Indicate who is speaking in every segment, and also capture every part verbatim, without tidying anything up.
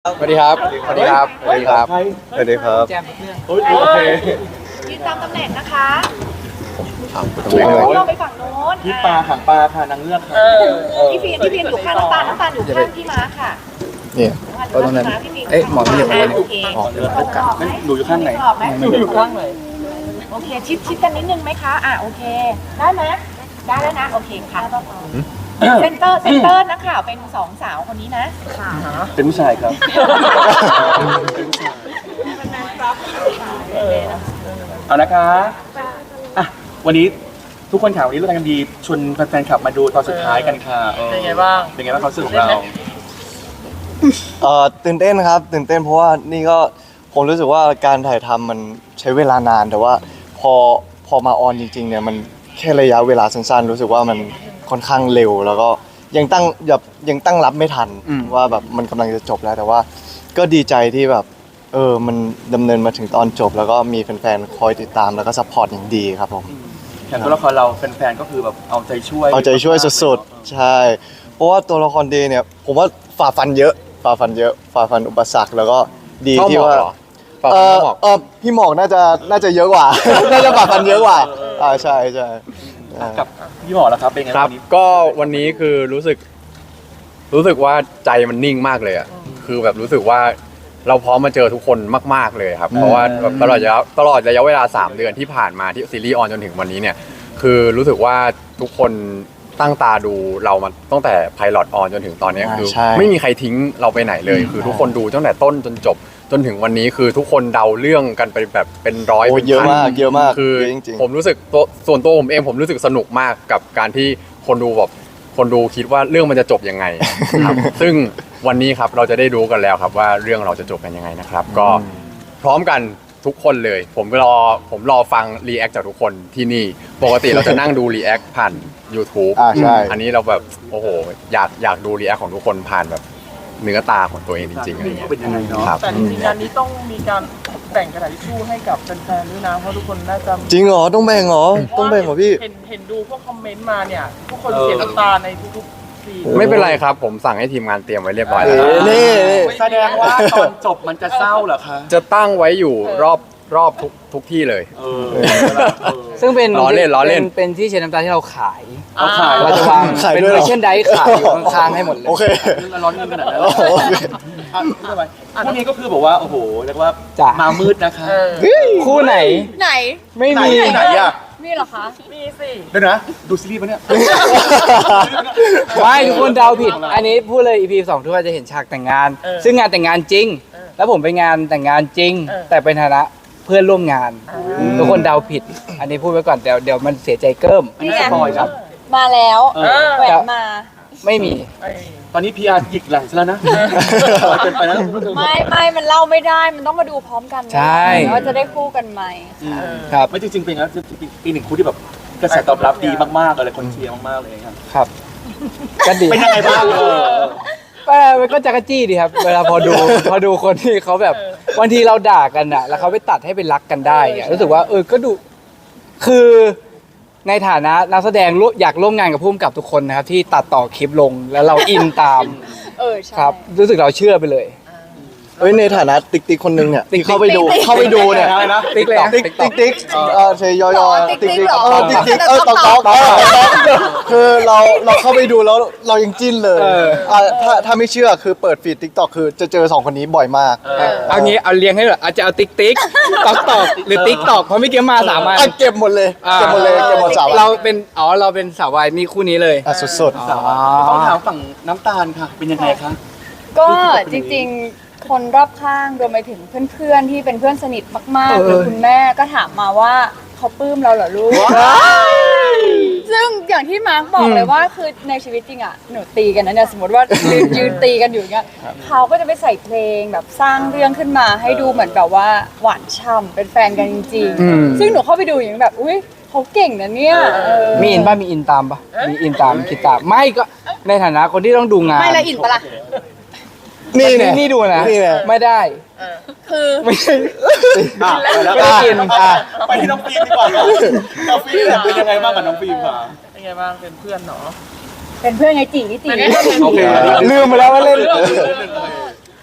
Speaker 1: สวัสดีครับ สวัสดีครับ สวัสดีครับ
Speaker 2: สวัสดีครับ
Speaker 3: แจมเพื่อน
Speaker 2: โอเค
Speaker 4: ยืนตามตำแหน่งนะคะ
Speaker 1: ถามคุณตรงนี้เลย
Speaker 4: ลงไปฝั่งโน้น
Speaker 2: พี่ปลาหางปลาค่ะนางเงือกค่ะ
Speaker 4: พี่พีนพี่พีนอยู่ข้างน้ำตาลน้ำตาลอยู่ข้างพี่ม้าค่ะ
Speaker 1: เนี่ยก็ตรงนั้น เอ๊ะหมอไม่อยู่ตรงนั้น
Speaker 4: โอเค
Speaker 1: หมอเดิน
Speaker 4: กรอบ
Speaker 1: กัน
Speaker 4: ไหม
Speaker 2: หนูอยู่ข้างไหน
Speaker 4: กรอบไหม
Speaker 3: อยู่ข้างไหน
Speaker 4: โอเคชิดชิดกันนิดนึงไหมคะอ่ะโอเค ได้ไหมได้แล้วนะโอเคค่ะเซนเตอร์เซนเตอร์นักข่าวเป็นสองสาวคนนี้นะค่ะ
Speaker 2: เป็นผู้ชายครับ เอานะคะอ่ะวันนี้ทุกคนข่าววันนี้เราทำดีชวนแฟนๆขับมาดูตอนสุดท้ายกันค่ะออ
Speaker 3: เป็นไงบ้าง
Speaker 2: เป็นไงบ้างความรู้สึกของเรา
Speaker 5: เอ่อตื่นเต้นครับตื่นเต้นเพราะว่านี่ก็ผมรู้สึกว่าการถ่ายทำมันใช้เวลานานแต่ว่าพอพอมาออนจริงๆเนี่ยมันแค่ระยะเวลาสั้นๆรู้สึกว่ามันค่อนข้างเร็ว แล้วก็ยังตั้งแบบยังตั้งรับไม่ทันว่าแบบมันกำลังจะจบแล้วแต่ว่าก็ดีใจที่แบบเออมันดำเนินมาถึงตอนจบ แล้วก็มีแฟนๆคอยติดตามแล้วก็ซัพพอร์ตอย่างดีครับผม
Speaker 2: อย่างตัวละครเราแฟนๆก็คือแบบเอาใจช่วย
Speaker 5: เอาใจช่วยสุดๆใช่เพราะว่าตัวละครเดย์เนี่ยผมว่าฝ่าฟันเยอะฝ่าฟันเยอะฝ่าฟันอุปสรรคแล้วก็ดีที่ว่า
Speaker 1: เปล่า
Speaker 5: เออ
Speaker 1: หมอก
Speaker 5: เออพี่หมอกน่าจะน่าจะเยอะกว่า น่าจะฝ่าฟันเยอะกว่าอ่าใช่ใช่อ่า
Speaker 2: กับพี่หมอแล้วครับเป็นไง
Speaker 1: ครับ
Speaker 2: วันนี้
Speaker 6: ก็วันนี้คือรู้สึก รู้สึกว่าใจมันนิ่งมากเลยอ่ะคือแบบรู้สึกว่าเราพร้อมมาเจอทุกคนมากๆเลยครับ เพราะว่าแบบตลอดระยะตลอดระยะเวลาสามเดือนที่ผ่านมาที่ซีรีส์ออนจนถึงวันนี้เนี่ย คือรู้สึกว่าทุกคนตั้งตาดูเรามาตั้งแต่ไพลอตออนจนถึงตอนนี้
Speaker 5: อ่า
Speaker 6: คือ
Speaker 5: ใช่
Speaker 6: ไม่มีใครทิ้งเราไปไหนเลย คือทุกคนดูตั้งแต่ต้นจนจบ จนถึงวันนี้คือทุกคนเดาเรื่องกันไปแบบเป็นร้อย
Speaker 5: โอ้
Speaker 6: เป็น
Speaker 5: เยอะ
Speaker 6: พัน
Speaker 5: มากเยอะมาก
Speaker 6: คือ
Speaker 5: เยอะจริงๆ
Speaker 6: ผมรู้สึกตัวส่วนตัวผมเองผมรู้สึกสนุกมากกับการที่คนดูแบบคนดูคิดว่าเรื่องมันจะจบยังไงครับ ซึ่งวันนี้ครับเราจะได้รู้กันแล้วครับว่าเรื่องเราจะจบกันยังไงนะครับ ก็พร้อมกันทุกคนเลย ผมรอผมรอฟังรีแอคจากทุกคนที่นี่ปกติเราจะนั่งดูรีแอคผ่าน YouTube
Speaker 5: อ่าใช่
Speaker 6: อันนี้เราแบบโอ้โหอยากอยากดูรีแอคของทุกคนผ่านแบบเนื้อตาของตัวเองจริงๆอะไรเงี้ย
Speaker 2: เป็นยังไงเนาะ
Speaker 6: ครับ
Speaker 3: แต่จริงๆงานนี้ต้องมีการแบ่งกระดาษทิชชู่ให้กับแฟนๆด้วยนะเพราะทุกคนน่าจะ
Speaker 5: จริงเหรอต้องแบ่งเหรอต้องแบ่งเหรอพี่
Speaker 3: เห็นเห็นดูพวกคอมเมนต์มาเนี่ยทุกคนเสียน้ำตาในทุกๆซีน
Speaker 6: ไม่เป็นไรครับ ผมสั่งให้ทีมงานเตรียมไว้เรียบร้อยแล้ว
Speaker 5: เอ๊ะนี่
Speaker 2: แสดงว่าตอนจบมันจะเศร้าเหรอคะ
Speaker 6: จะตั้งไว้อยู่รอบรอบทุกทุกที่เลย
Speaker 2: เออ
Speaker 7: ซึ่งเป็น
Speaker 6: ล้อเล่นล้อเล่น
Speaker 7: ป็เป็นที่เช็ดน้ำตาที่เราขาย
Speaker 2: เอาขาย
Speaker 7: เราจะวาง
Speaker 5: ขาย
Speaker 7: เป็น
Speaker 5: ด้วยเหร
Speaker 7: เว
Speaker 5: อ
Speaker 7: อร์ชันไดขายอยู่ข้างๆให้หมดเลย
Speaker 5: โอเค
Speaker 2: เรื่องร้อนเงินขนาดนั้น
Speaker 5: โอเค
Speaker 2: อ่ะไม่เป็นไรพวกนี้ก็คือบอกว่าโอ้โหเรียกว่า
Speaker 7: จ้ะ
Speaker 2: มามืดนะคะ
Speaker 3: เออ
Speaker 7: คู่ไหน
Speaker 4: ไหน
Speaker 7: ไม่
Speaker 2: ไหน
Speaker 7: มี
Speaker 2: ไหนอ่ะ
Speaker 4: มีเหรอคะ
Speaker 3: มีสิ
Speaker 2: เดี๋ยวนะดูซีรีส์ปะเนี่ย
Speaker 7: ไม่ทุกคนเดาผิด อันนี้พูดเลย อี พี สองทุกคนจะเห็นฉากแต่งงาน ซึ่งงานแต่งงานจริง แล้วผมไปงานแต่งงานจริง แต่เป็นฐานะเพื่อนร่วมงาน ทุกคนเดาผิด อันนี้พูดไว้ก่อนเดี๋ยวเดี๋ยวมันเสียใจเกิม
Speaker 4: นี่ไง
Speaker 2: สปอยครับ
Speaker 4: มาแล้ว
Speaker 2: เออ
Speaker 4: แหวนมา
Speaker 7: ไม่มี
Speaker 3: ไอ้
Speaker 2: ตอนนี้พีอาร์หยิกหลังซะแล้วนะเกินไปแล้ว
Speaker 4: ไม่ไม่มันเล่าไม่ได้มันต้องมาดูพร้อมกันนะ
Speaker 7: ใช่
Speaker 4: ว่าจะได้คู่กันไหม
Speaker 7: ครับ
Speaker 2: ไม่จริงๆเป็นแล้วปีหนึ่งคู่ที่แบบกระแสตอบรับดีมากๆเลยคนเชียร์มากๆเลยครับ
Speaker 7: ครับก็ดี
Speaker 2: เป็นยังไงบ้างเออ
Speaker 7: ก็มันก็จักรจี้ดีครับ เวลาพอดู พอดูคนที่เขาแบบบางทีเราด่ากันอ่ะ แล้วเขาไปตัดให้เป็นรักกันได้อะรู้สึกว่า เออก็ดูคือในฐานะนักแสดงร่วมอยากร่วมงานกับผู้กำกับทุกคนนะครับ ที่ตัดต่อคลิปลงแล้วเราอินตาม
Speaker 4: เออใช่
Speaker 7: ครับ รู้สึกเราเชื่อไปเลย
Speaker 5: เฮ้ยในฐานะติ๊กติ๊กคนนึงเนี่ย
Speaker 7: ติ๊ก
Speaker 5: ที่เข้าไปดู
Speaker 4: ติ๊ก
Speaker 5: เข้าไปดูเนี่ย
Speaker 2: อะไรนะ
Speaker 7: ติ๊กเลยนะ
Speaker 5: ติ๊กติ๊กติ๊กเออเชยยอยอ
Speaker 4: ติ๊
Speaker 5: ติ๊
Speaker 4: ก
Speaker 5: ก
Speaker 4: ติ๊
Speaker 5: ติ๊
Speaker 4: ก
Speaker 5: ก
Speaker 4: เหรอ
Speaker 5: เออติ๊กติ๊กเออตอกตอกเออตอกคือเราเราเข้าไปดูแล้วเรายังจิ้นเลย
Speaker 7: เออ
Speaker 5: อ่ะถ้าถ้าไม่เชื่อคือเปิดฟีดติ๊กต็อกคือจะเจอสองคนนี้บ่อยมาก
Speaker 7: เอางี้เอาเรียงให้เหรออาจจะเอาติ๊กติ๊กตอกตอกหรือติ๊กตอกเพราะไม่เกี่ยวมาสามอัน
Speaker 5: อ่ะเก็บหมดเลย
Speaker 7: อ่า
Speaker 5: เก็บหมดเลยเก็บหมดสาว
Speaker 7: เราเป็นอ๋อเราเป็นสาววายนี่คู่นี้เลย
Speaker 5: อ่ะสุด
Speaker 7: อ๋อ
Speaker 2: ต้องถามฝั่งน้ำตาลค่ะ เป็นยังไงคะ
Speaker 4: ก็จริงๆ คนรอบข้างรวมไปถึงเพื่อนๆ ที่เป็นเพื่อนสนิทมากๆหรือคุณแม่ก็ถามมาว่าเขาปลื้มเราเหรอลูก ซึ่งอย่างที่มาร์กบอกเลยว่าคือในชีวิตจริงอ่ะหนูตีกันนะเนี่ยสมมติว่ายืนยืนตีกันอยู่เงี้ยเขาก็จะไปใส่เพลงแบบสร้างเรื่องขึ้นมาให้ดูเหมือนแบบว่าหวานฉ่ำเป็นแฟนกันจริง
Speaker 7: อืม
Speaker 4: ๆ ซึ่งหนูเข้าไปดูอย่างแบบอุ้ยเขาเก่งนะเนี่ยเออ
Speaker 7: มีอินป่ะมีอินตามป่ะมีอินตามคิดตามไม่ก็ในฐานะคนที่ต้องดูงาน
Speaker 4: ไม่ละอินปะล่ะ
Speaker 5: ๆนี่เนี่ย
Speaker 7: นี่ดูนะ
Speaker 5: นี่เนี่ย
Speaker 7: ไม่ได้
Speaker 4: คือ
Speaker 7: ไม่ใช่
Speaker 2: อ่ะ
Speaker 7: ไม่ได้กินอ่ะ
Speaker 2: ไปที่น้องฟิล์มดีกว่าน้องฟิล์มเป็นยังไงบ้างกับน้องฟิล์มค่ะ
Speaker 3: เป็นไงบ้างเป็นเพื่อนเนาะ
Speaker 4: เป็นเพื่อนไงจีจี
Speaker 3: เป็นเพื่อน
Speaker 2: โอเค
Speaker 7: ลืมไปแล้วว่าเล่น
Speaker 4: ก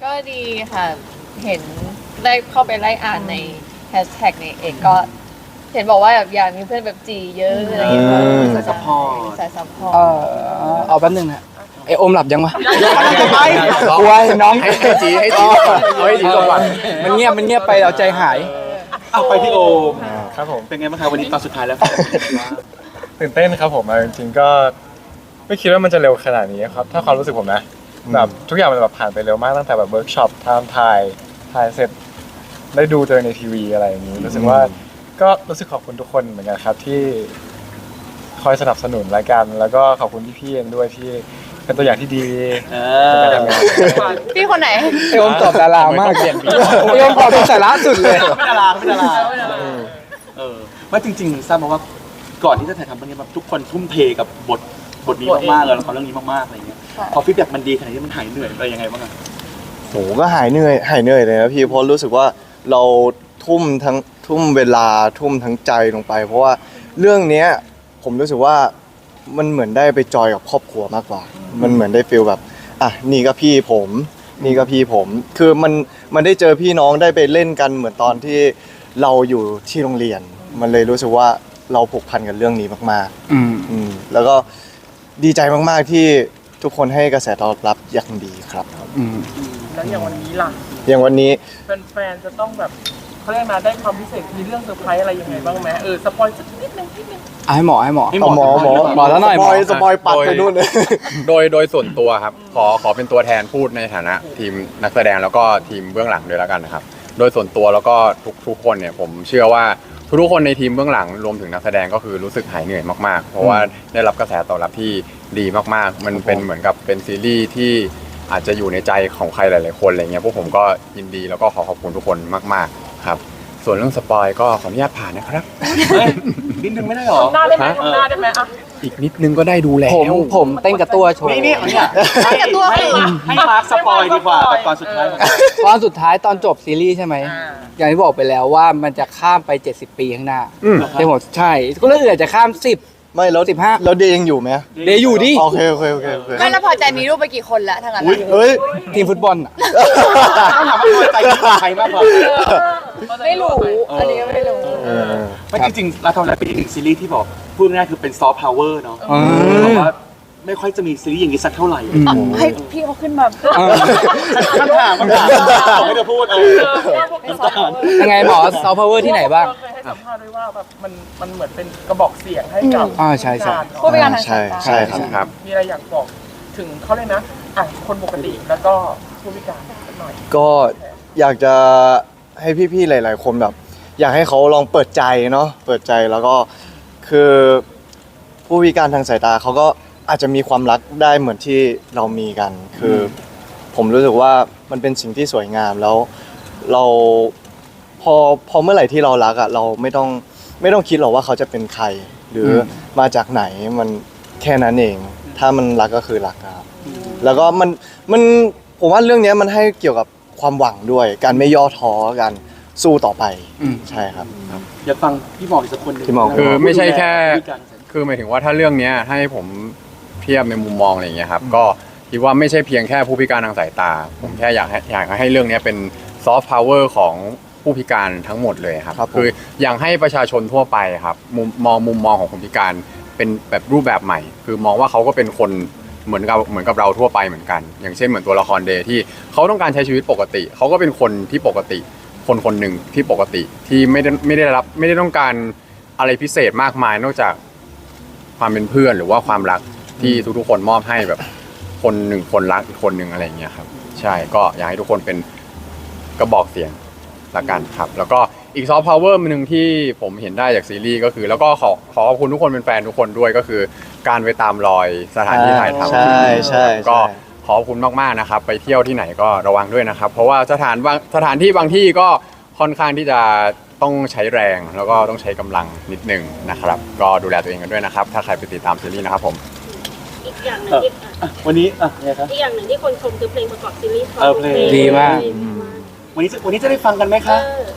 Speaker 4: ก็ดีค่ะ เห็นได้เข้าไปไล่อ่านในแฮชแท็กในเอกก็ เห็นบอกว่าแบบอยากมีเพื่อนแบบจีเยอะอะไรอย่างเงี้ย
Speaker 2: สายซัพพอร์ต
Speaker 4: สายซัพพอร์
Speaker 7: เอ
Speaker 4: ต
Speaker 7: อเอาแป๊บนึงนะไอโอมหลับยังวะ
Speaker 2: จะไป
Speaker 7: กลัวน้อง
Speaker 6: ให้ให้จีให้จีก่อนเอาให้จีก่อน
Speaker 7: มันเงียบมันเงียบไปเราใจหาย
Speaker 2: เอาไปที่โอม
Speaker 8: ครับผม
Speaker 2: เป็นไงบ้างครับวันนี้ตอนสุดท้ายแล้ว
Speaker 8: ตื่นเต้นครับผมเอาจริงๆก็ไม่คิดว่ามันจะเร็วขนาดนี้ครับถ้าความรู้สึกผมนะแบบทุกอย่างมันแบบผ่านไปเร็วมากตั้งแต่แบบเวิร์กช็อปทำถ่ายถ่ายเสร็จได้ดูเจอในทีวีอะไรอย่างนี้รู้สึกว่าก็รู้สึกขอบคุณทุกคนเหมือนกันครับที่คอยสนับสนุนรายการแล้วก็ขอบคุณพี่ๆเองด้วยที่เป็นตัวอย่างที่ดี
Speaker 2: เอ
Speaker 8: ใน
Speaker 2: อ
Speaker 8: การทำงาน
Speaker 4: พี่คนไหน
Speaker 7: ไอโอมตอบดารามากเปลี่ยนไอโอมตอบเป็นสาระสุดเลย
Speaker 2: ไม่ดาราไม่ดาราเออไม่จริงๆทราบมาว่าก่อนที่จะถ่ายทำเรื่องนี้แบบทุกคนทุ่มเทกับบทบทนี้มากๆเลยละครเรื่องนี้มากๆอะไรอย่างเงี้ย
Speaker 4: ค่ะ
Speaker 2: พอฟีดแบ็กมันดีขนาดนี้มันหายเหนื่อยอะไรยังไงบ้างอะ
Speaker 5: โหก็หายเหนื่อยหายเหนื่อยเลยนะพี่เพราะรู้สึกว่าเราทุ่มทั้งทุ่มเวลาทุ่มทั้งใจลงไป เพราะว่าเรื่องเนี้ยผมรู้สึกว่ามันเหมือนได้ไปจอยกับครอบครัวมากกว่า มันเหมือนได้ฟีลแบบอ่ะนี่ก็พี่ผม นี่ก็พี่ผม คือมันมันได้เจอพี่น้องได้ไปเล่นกันเหมือนตอนที่เราอยู่ที่โรงเรียน มันเลยรู้สึกว่าเราผูกพันกับเรื่องนี้มาก
Speaker 7: อืม
Speaker 5: ๆอืมแล้วก็ดีใจมากๆที่ทุกคนให้กระแสตอบรับอย่างดีครับ
Speaker 7: อืม
Speaker 3: แล้วอย่างวันนี้ล่ะ
Speaker 5: อย่างวันนี้
Speaker 3: แฟนๆจะต้องแบบเขาเรียกมาได้ความพิเศษมีเรื่องเซอร์ไพรส์อะไรยังไงบ้างไหมเออสปอยสักนิดนึงนิดนึง
Speaker 7: เอาให้หมอให้หมอ
Speaker 5: เอาหมอหมอ
Speaker 7: หมอแล้วหน่อย
Speaker 5: สปอย
Speaker 7: หมอ
Speaker 5: สปอยปัดไปนู่นเลย
Speaker 6: โดยโดยส่วนตัวครับ ขอขอเป็นตัวแทนพูดในฐานะทีมนักแสดงแล้วก็ทีมเบื้องหลังด้วยแล้วกันนะครับ โดยส่วนตัวแล้วก็ทุกทุกคนเนี่ยผมเชื่อว่าทุกๆคนในทีมเบื้องหลังรวมถึงนักแสดงก็คือรู้สึกหายเหนื่อยมากๆ เพราะว่าได้รับกระแสตอบรับที่ดีมากๆ มันเป็นเหมือนกับเป็นซีรีส์ที่อาจจะอยู่ในใจของใครหลายๆคนอะไรเงี้ยพวกผมก็ยินดีแล้วก็ขอขอบคุณทุกคนมากๆครับส่วนเรื่องสปอยก็ขออนุญาตผ่านนะครับ
Speaker 2: เฮ้ยนิดนึงไม่ได้หรอ
Speaker 3: ทำหน้าได้ไหมทำหน้าได้ไหมอ่ะ
Speaker 6: อีกนิดนึงก็ได้ดูแล้
Speaker 7: ผม
Speaker 6: ว
Speaker 7: ผมเต้นกับตัวโชว์
Speaker 2: นี่นี่เนี่ยให้ให้ให้มาร์คสปอยดีกว่ากับตอนสุดท้ายของ
Speaker 7: ตอนสุดท้ายตอนจบซีรีส์ใช่ไหม
Speaker 3: อ่า
Speaker 7: อย่างที่บอกไปแล้วว่ามันจะข้ามไป เจ็ดสิบ ปีข้างหน้า
Speaker 6: อืม
Speaker 7: ใช่หมดใช่ก็เรื่องอื่นอาจจะข้ามสิบ
Speaker 5: ไม่แล้ว
Speaker 7: สิบห้า
Speaker 5: แล้วเดย์ยังอยู่ไหม
Speaker 7: เดย์อยู่ดิ
Speaker 5: โอเคโอเคโอเคโอเค
Speaker 4: ไม่แล้วพอใจมีรูปไปกี่คนแล้วทั้งนั้น
Speaker 2: อุ้ย
Speaker 4: อะ
Speaker 5: เฮ้ย
Speaker 7: ทีมฟุตบอลอ่ะ
Speaker 2: ต้องถามว่าพอใจที่ใครมากกว่า
Speaker 4: ไม่รู้ อันนี้ก็ไม่รู้
Speaker 5: เออ
Speaker 2: ไม่จริงๆเราทำอะไรเป็นอีกหนึ่งซีรีส์ที่บอกพูดง่ายๆคือเป็นซอฟต์พาวเวอร์เนาะ
Speaker 7: อืม
Speaker 2: เพราะว่าไม่ค่อยจะมีซีรีส์อย่างนี้สักเท่าไหร่
Speaker 4: อ่ะให้พี่เขาขึ้นมา
Speaker 7: เออ
Speaker 2: คำถามคำถามบอกให้เธอพูดเออ
Speaker 4: ไม่สอนเขาเลย
Speaker 7: ยังไงหมอซอฟต์พาวเวอร์ที่ไหนบ้าง
Speaker 3: เคยให้สัมภาษณ์ด้วยว่าแบบมันมันเหมือนเป็นกระบอกเสียงให้กับ
Speaker 7: อ่าใช่ใช่
Speaker 3: การ
Speaker 4: พูดไปการทาง
Speaker 5: ใช่
Speaker 4: สายตา
Speaker 5: ใช่ครับ
Speaker 6: ครับ
Speaker 3: มีอะไรอยากบอกถึงเขาเลยนะอ่ะคนปกติแล้วก็ผู้พิการสักหน่อย
Speaker 5: ก็อยากจะให้พี่ๆหลาย ๆ คนแบบ อยากให้เขาลองเปิดใจเนาะเปิดใจแล้วก็คือผู้พิการทางสายตาเขาก็อาจจะมีความรักได้เหมือนที่เรามีกัน คือผมรู้สึกว่ามันเป็นสิ่งที่สวยงามแล้วเราพอพอเมื่อไหร่ที่เรารักอ่ะเราไม่ต้องไม่ต้องคิดหรอกว่าเขาจะเป็นใคร หรืออมาจากไหนมันแค่นั้นเอง ถ้ามันรักก็คือรักครับแล้วก็มันมันผมว่าเรื่องเนี้ยมันให้เกี่ยวกับความหวังด้วย การไม่ย่อท้อกันสู้ต่อไป
Speaker 7: อืม
Speaker 5: ใช่ครับ
Speaker 2: อยากฟังพี่หมออีกสักคนหนึ่ง
Speaker 5: พี่หมอ
Speaker 6: คือไม่ใช่แค่
Speaker 2: ผู้พิการ
Speaker 6: คือหมายถึงว่าถ้าเรื่องเนี้ยให้ผมเทียบในมุมมองอะไรอย่างเงี้ยครับก็คิดว่าไม่ใช่เพียงแค่ผู้พิการทางสายตา ผมแค่อยากให้อยากให้เรื่องเนี้ยเป็นซอฟต์พาวเวอร์ของผู้พิการทั้งหมดเลยครับ
Speaker 5: ครับผม
Speaker 6: คืออยากให้ประชาชนทั่วไปครับมุมมองมุมมองของคนพิการเป็นแบบรูปแบบใหม่ คือมองว่าเขาก็เป็นคนเหมือนกับเหมือนกับเราทั่วไปเหมือนกัน อย่างเช่นเหมือนตัวละครเดย์ที่เขาต้องการใช้ชีวิตปกติเขาก็เป็นคนที่ปกติ คนคนหนึ่งที่ปกติที่ไม่ได้ไม่ได้รับไม่ได้ต้องการอะไรพิเศษมากมายนอกจากความเป็นเพื่อนหรือว่าความรักที่ทุกๆคนมอบให้แบบคนหนึ่งคนรักอีกคนหนึ่งอะไรอย่างเงี้ยครับใช่ก็อยากให้ทุกคนเป็นกระบอกเสียงละกันครับแล้วก็อีกซอฟต์พาวเวอร์หนึ่งที่ผมเห็นได้จากซีรีส์ก็คือแล้วก็ขอขอขอบคุณทุกคนเป็นแฟนทุกคนด้วยก็คือการไปตามรอยสถานที่ถ่ายทำ
Speaker 5: ใช่ใช่
Speaker 6: ก็
Speaker 5: ใช่
Speaker 6: ขอบคุณมากๆนะครับไปเที่ยวที่ไหนก็ระวังด้วยนะครับเพราะว่าสถานบางสถานที่บางที่ก็ค่อนข้างที่จะต้องใช้แรงแล้วก็ต้องใช้กำลังนิดนึงนะครับก็ดูแลตัวเองกันด้วยนะครับถ้าใครไปติดตามซีรีส์นะครับผม
Speaker 9: อีกอย่างหนึ่
Speaker 2: เอง อ
Speaker 9: ที่
Speaker 2: อ่ะวันนี้อ่ะไงครับ
Speaker 9: อีกอย่างหนึ่งที่คนชมคือเพลงประกอบซีรีส์
Speaker 2: เออเพลง
Speaker 7: ดีมาก
Speaker 2: วันนี้จะวันนี้จะได้ฟังกันไหม
Speaker 9: เอ
Speaker 2: คะ
Speaker 9: อ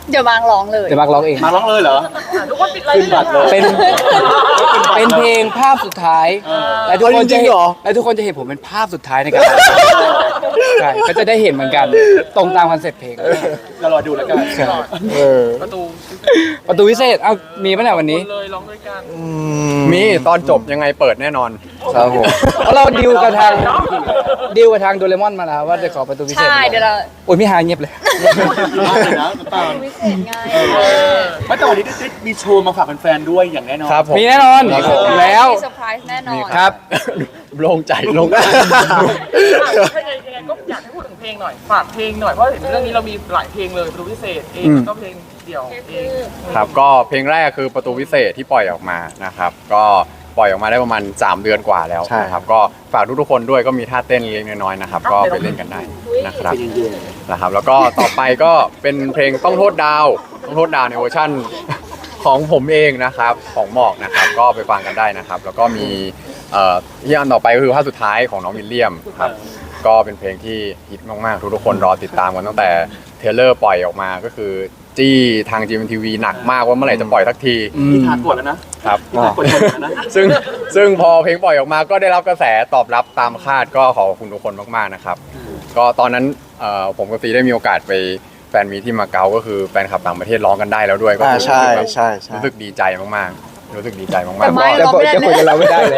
Speaker 4: เดี๋ยวมางร้องเลย
Speaker 7: เดี๋ยวมาร์คร้องเอง
Speaker 2: มาร้องเลยเหรอ
Speaker 3: ทุกคนปิดไล
Speaker 2: ขึ้น
Speaker 3: น์
Speaker 2: บัตรเลย
Speaker 7: เป็น เป็นเพลงภาพสุดท้าย และทุกคนจะ
Speaker 5: จริง
Speaker 7: เห็น
Speaker 5: เหรอ
Speaker 7: และทุกคนจะเห็นผมเป็นภาพสุดท้ายในการร้องใช่ก็จะได้เห็นเหมือนกันตรงตามคอนเซ็ปต์เพลง
Speaker 2: เรารอดูแล้วกัน
Speaker 5: เออ
Speaker 3: ประตู
Speaker 7: ประตูวิเศษเอ้ามีป่ะเนี่ยวันนี้
Speaker 3: เลยร้องด้วยกัน
Speaker 5: อื
Speaker 6: มีตอนจบยังไงเปิดแน่นอน
Speaker 5: ครับผม
Speaker 7: เพราะเราดิวกับทางดิวกับทางโดเรมอนมาแล้วว่าจะขอประตูวิเศษ
Speaker 4: ใช่เดี๋ยวเรา
Speaker 7: โอ้ยพี่ฮายเงียบเลย
Speaker 2: มากเลยนะน้ำตาล
Speaker 4: วิเศษไง
Speaker 2: ไม่แต่วันนี้ได้มีโชว์มาฝากแฟนๆด้วยอย่างแน่นอน
Speaker 6: ครับผม
Speaker 7: มีแน่นอน
Speaker 6: ครับผม
Speaker 7: อยู่แล้ว
Speaker 4: มีเซอร์ไพรส์แน่นอน
Speaker 7: ครับ
Speaker 6: โล่งใจโล่งใจ
Speaker 3: ถ้ายังไงยังไงก็อยากให้พูดถึงเพลงหน่อย ฝากเพลงหน่อย เพราะเห็นเรื่องนี้เรามีหลายเพลงเลยประตูพิเศษเอง
Speaker 7: อืม
Speaker 3: ก็เพลงเดี่ยวเอง
Speaker 6: ครับก็เพลงแรกคือประตูวิเศษที่ปล่อยออกมานะครับก็ปล่อยออกมาได้ประมาณสามเดือนกว่าแล้ว
Speaker 5: ใช่
Speaker 6: นะครับก็ฝากทุกๆคนด้วยก็มีท่าเต้นเล็กๆน้อยๆนะครับก็ไปเล่นกันได้นะครับ
Speaker 2: ใจเย็น
Speaker 6: นะครับแล้วก็ต่อไปก็เป็นเพลงต้องโทษดาวต้องโทษดาวในเวอร์ชั่นของผมเองนะครับของหมอกนะครับก็ไปฟังกันได้นะครับ แล้วก็มีเอ่อที่อันต่อไปก็คือภาคสุดท้ายของน้องวิลเลียมครับก็เป็นเพลงที่ฮิตมากๆทุกๆคนรอติดตามกันตั้งแต่เทรลเลอร์ปล่อยออกมาก็คือจี้ทาง จี เอ็ม ที วี หนักมากว่าเมื่อไหร่จะปล่อยสักที
Speaker 2: ๆพี่ทานกดแล้วนะครับ พี่ทานกดแล้วนะ
Speaker 6: ซึ่งซึ่งพอเพลงปล่อยออกมาก็ได้รับกระแสตอบรับตามคาดก็ขอบคุณทุกคนมากๆนะครับ ก็ตอนนั้นเอ่อผมกับซีได้มีโอกาสไปแฟนมีที่มาเก๊าก็คือแฟนคลับต่างประเทศร้องกันได้แล้วด้วยก็
Speaker 5: อ่า
Speaker 6: รู้สึก
Speaker 5: ใช่
Speaker 6: แบบ
Speaker 5: ใช่ใช่
Speaker 6: รู้สึกดีใจมากๆรู้สึกดีใจมาก
Speaker 4: แต่
Speaker 6: ๆ
Speaker 4: ไม่
Speaker 6: ก็
Speaker 4: เราไม่ได้
Speaker 7: จะคุยกับเราไม่ได้เลย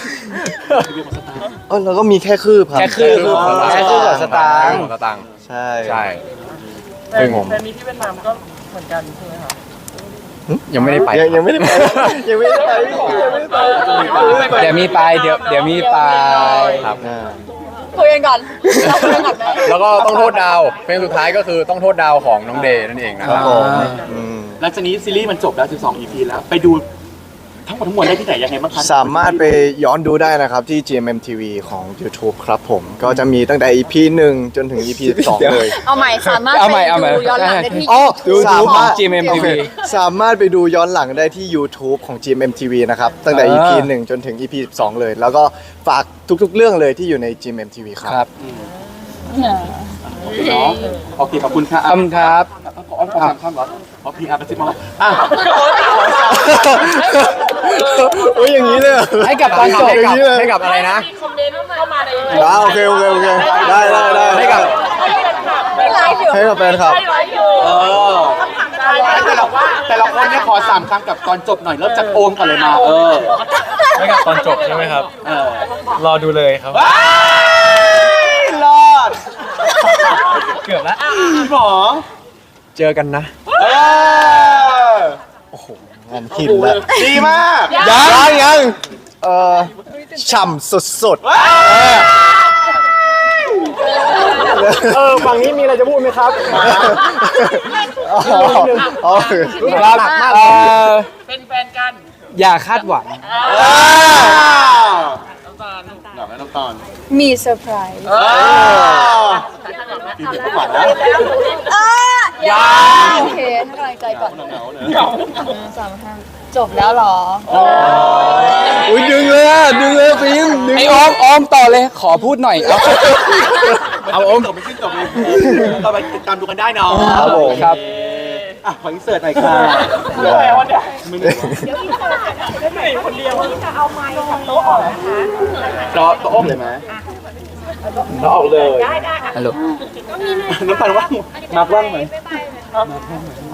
Speaker 5: เออเราก็มีแค่คืบครับ
Speaker 7: แค่คืบ แค่คืบกับสตางค์
Speaker 6: สตางค์
Speaker 5: ใช่
Speaker 6: ใช่
Speaker 3: แต่
Speaker 6: ซึ่งผม
Speaker 3: แต่มีที่เวียดนามก็เหมือนกันใช่ไหมคะ
Speaker 6: ยังไม่ได้ไป
Speaker 5: ยังยังไม่ได้ไปยังไม่ได้ไปยังไม่ได้ไป
Speaker 7: เดี๋ยวมีไปเดี๋ยวเดี๋ยวมีไป
Speaker 6: ครับ
Speaker 5: อ่า
Speaker 4: คุยกันก่อนเราคุยกันก่อนไหม
Speaker 6: แล้วก็ต้องโทษดาวเพลงสุดท้ายก็คือต้องโทษดาวของน้องเดย์นั่นเองนะ
Speaker 5: ค
Speaker 6: ค
Speaker 5: รั
Speaker 6: รั
Speaker 5: บบ ผมอืม
Speaker 2: หลังจากนี้ซีรีส์มันจบแล้วสิบสอง อี พี แล้วไปดูทั้งหมดทั้งมวลได้ที่ไหนยังไงบ้างคะ
Speaker 5: สามารถไปย้อนดูได้นะครับที่ จี เอ็ม เอ็ม ที วี ของ YouTube ครับผม ก็จะมีตั้งแต่ อี พี หนึ่งจนถึง อี พี สอง เลย
Speaker 4: เอาใหม่สามารถ
Speaker 7: เอา
Speaker 4: ไป
Speaker 7: ใหม่เอาใหม่
Speaker 4: ดูย้อนหลังได้ที่
Speaker 5: อ๋อ
Speaker 7: YouTube
Speaker 5: สามารถ
Speaker 7: ของ จี เอ็ม เอ็ม ที วี
Speaker 5: โอเคสามารถไปดูย้อนหลังได้ที่ YouTube ของ จี เอ็ม เอ็ม ที วี นะครับ ตั้งแต่ อี พี หนึ่งจนถึง อี พี สอง เลย แล้วก็ฝากทุกๆ เรื่องเลยที่อยู่ใน จี เอ็ม เอ็ม ที วี ครับ
Speaker 7: ครับ
Speaker 2: เนาะโอเคขอบคุณค่ะ
Speaker 7: ขอบคุณครับ
Speaker 2: ขออ้อนขอสามคำเหรอขอพีอาร์กระซิบมาว่าอ่ะ
Speaker 5: โอ้ยอย่างนี้เลยเหรอ
Speaker 7: ให้กับตอนจบ
Speaker 6: ให้กับ
Speaker 5: อย่างนี้เลย
Speaker 6: ให้กับอะไรนะ
Speaker 3: คอมเมนต์เข้ามาใน
Speaker 5: อ่าโอเคโอเคโอเคได้ได้ได้
Speaker 6: ให้กับ
Speaker 4: ไม่ไลฟ์อยู่
Speaker 5: ให้กับแฟนคลับ
Speaker 2: เออแต่ละว่าแต่ละคนเนี่ยขอสามคำกับตอนจบหน่อยเริ่มจากโอมก่อนเลยมาเออ
Speaker 8: ไม่กับตอนจบใช่ไหมครับ
Speaker 2: เออ
Speaker 8: รอดูเลยครับ
Speaker 2: ว้ายรอด
Speaker 8: เกือบแล้ว
Speaker 2: หมอ
Speaker 6: เจอกันนะ
Speaker 2: เออ
Speaker 5: งานหินแล้ว
Speaker 2: ดีมาก
Speaker 5: ยังยังเออฉ่ำสุดๆ
Speaker 6: เออฝั่งนี้มีอะไรจะพูดไหมครับ
Speaker 5: อ๋ออ๋อ
Speaker 7: ครับเอ่อ
Speaker 3: เป็นแฟนกัน
Speaker 7: อย่าคาดหวัง
Speaker 3: น้ำตาล
Speaker 2: หลับแล้วน้ำตาล
Speaker 4: มีเซอร์ไพรส์
Speaker 2: เออปีนี้ก็หวานนะ
Speaker 4: อ่ะอย่าโอเคให้กำลังใจก่อน
Speaker 2: เหงาๆเน
Speaker 4: ห
Speaker 2: อะ
Speaker 4: นึ่งสามห้าจบแล้วเหรอ
Speaker 5: อุ้ยดึงเลยอ่ะดึงเลยฟิล์มดึง
Speaker 7: ไอ้ออมออมต่อเลยขอพูดหน่อยเอา
Speaker 2: เอาโอมจบไม่ขึ้นจบเลยต่อไปติดตามดูกันได้เนาะ
Speaker 5: ครับผม
Speaker 7: ครับ
Speaker 2: อ่ะขออินเสิร์ตหน่อยค่ะ
Speaker 3: เหนื่อยวะเนี่ย
Speaker 2: มึงรอตัวอ้อมเลยไหมเราออกเลย
Speaker 7: ฮัลโหล
Speaker 2: น้ำตาลว่างมาร์คว่างไหม